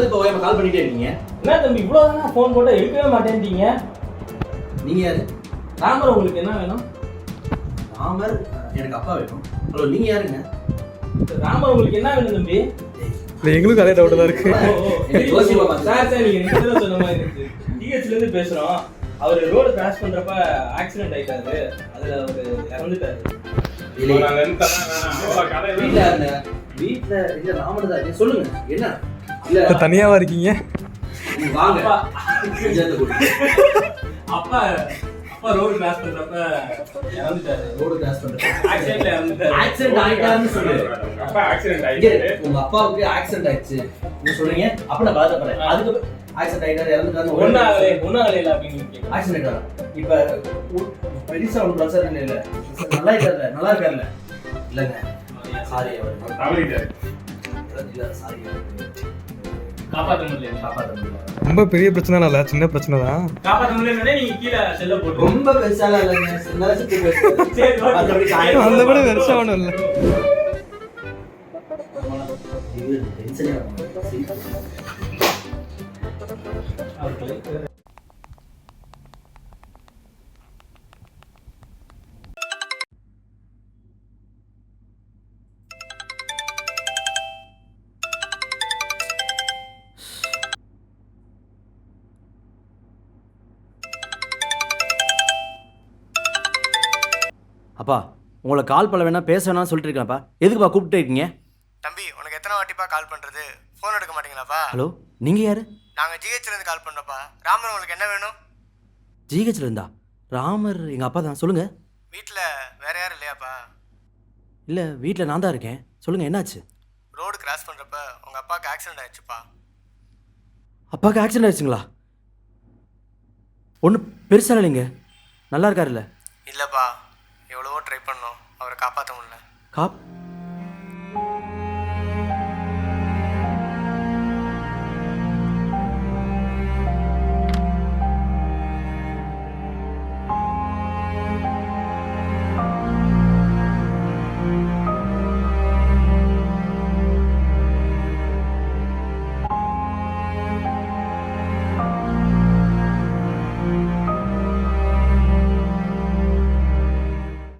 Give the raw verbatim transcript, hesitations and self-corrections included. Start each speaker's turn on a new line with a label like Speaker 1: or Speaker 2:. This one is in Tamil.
Speaker 1: இப்போ ஓயாம கால் பண்ணிட்டே இருக்கீங்க?
Speaker 2: என்ன தம்பி இவ்வளோ தானே ஃபோன் போட்டால் எடுக்கவே மாட்டேன்ட்டீங்க?
Speaker 1: நீங்கள் யார்?
Speaker 2: ராமர் உங்களுக்கு என்ன வேணும்?
Speaker 1: ராமர் எனக்கு அப்பா வேணும். ஹலோ நீங்கள் யாருங்க?
Speaker 2: ராமர் உங்களுக்கு என்ன வேணும் தம்பி?
Speaker 3: இல்லை எங்களுக்கும் அதே டவுட் தான் இருக்கு.
Speaker 2: சார் சார் நீங்கள் ரெண்டு சொன்ன மாதிரி இருக்கு. டிஹெச்லேருந்து பேசுகிறோம். அவர் ரோடு கிராஸ் பண்ணுறப்ப ஆக்சிடென்ட் ஆகிட்டாரு. அதில் அவர் இறந்துட்டாரு.
Speaker 1: வீட்டில் இருந்த வீட்டில் இல்லை ராமர் தான். சொல்லுங்க என்ன? இல்லை
Speaker 3: தனியாவா இருக்கீங்க?
Speaker 1: வாங்க.
Speaker 2: அப்பா அப்பா ரோடு கிராஸ் பண்றப்ப இறந்துட்டாரு.
Speaker 1: ரோடு கிராஸ் பண்றப்ப
Speaker 2: ஆக்சிடென்ட்ல இறந்துட்டாரு.
Speaker 1: ஆக்சிடென்ட் ஆயிட்டாருன்னு சொல்லுங்க.
Speaker 2: அப்பா ஆக்சிடென்ட் ஆயிடுச்சு.
Speaker 1: உங்க அப்பாவுக்கு ஆக்சிடென்ட் ஆயிடுச்சு நீங்க சொல்றீங்க. அப்ப நான் பாத்துறேன். அதுக்கு ஆக்சிடென்ட் ஆயிட்டாரு இறந்துட்டாரு.
Speaker 2: ஒண்ணாகலே ஒண்ணாகலே இல்ல அப்படின்னு கேக்குறேன்.
Speaker 1: ஆக்சிடென்ட் ஆனா இப்ப பெரிசா ஒன்று பிரச்சனை இல்ல இல்ல நல்லா இருக்காருல நல்லா இருக்காருல இல்லங்க சாரி அவர்
Speaker 2: தவறிட்டாரு.
Speaker 1: இல்ல சாரி
Speaker 2: காப்பாத்த முடியல.
Speaker 1: காப்பாத்த முடியல.
Speaker 3: ரொம்ப பெரிய பிரச்சனை இல்ல, சின்ன பிரச்சனை தான்.
Speaker 2: காப்பாத்த முடியலனே நீங்க கீழ செல்ல போட்டு.
Speaker 1: ரொம்ப பெருசால இல்லங்க. சின்னதா சுத்தி போயிடுச்சு. சரி மத்தபடி காயம்
Speaker 3: அந்த கூட பெருசா ஒண்ணும் இல்ல.
Speaker 1: இது டென்ஷனே ஆகும். அப்பா உங்களை கால் பண்ண வேணா பேச வேணாம்னு சொல்லிட்டு இருக்கேன்ப்பா. எதுக்குப்பா கூப்பிட்டு இருக்கீங்க?
Speaker 4: தம்பி உனக்கு எத்தனை வாட்டிப்பா கால் பண்ணுறது? ஃபோன் எடுக்க மாட்டீங்களாப்பா?
Speaker 1: ஹலோ நீங்கள் யார்?
Speaker 4: நாங்கள் ஜிஹெச்லேருந்து கால் பண்ணுறப்பா. ராமர் உங்களுக்கு என்ன வேணும்?
Speaker 1: ஜிஹெச்ல இருந்தா? ராமர் எங்கள் அப்பா தான். சொல்லுங்கள்.
Speaker 4: வீட்டில் வேற யாரும் இல்லையாப்பா?
Speaker 1: இல்லை வீட்டில் நான் தான் இருக்கேன். சொல்லுங்கள் என்னாச்சு?
Speaker 4: ரோடு கிராஸ் பண்ணுறப்ப உங்கள் அப்பாவுக்கு ஆக்சிடென்ட் ஆயிடுச்சுப்பா.
Speaker 1: அப்பாவுக்கு ஆக்சிடென்ட் ஆயிடுச்சுங்களா? ஒன்றும் பெருசாக இல்லைங்க. நல்லா இருக்காருல்ல?
Speaker 4: இல்லைப்பா, எவ்வளவோ ட்ரை பண்ணோம், அவரை காப்பாற்ற முடியல.
Speaker 1: காப்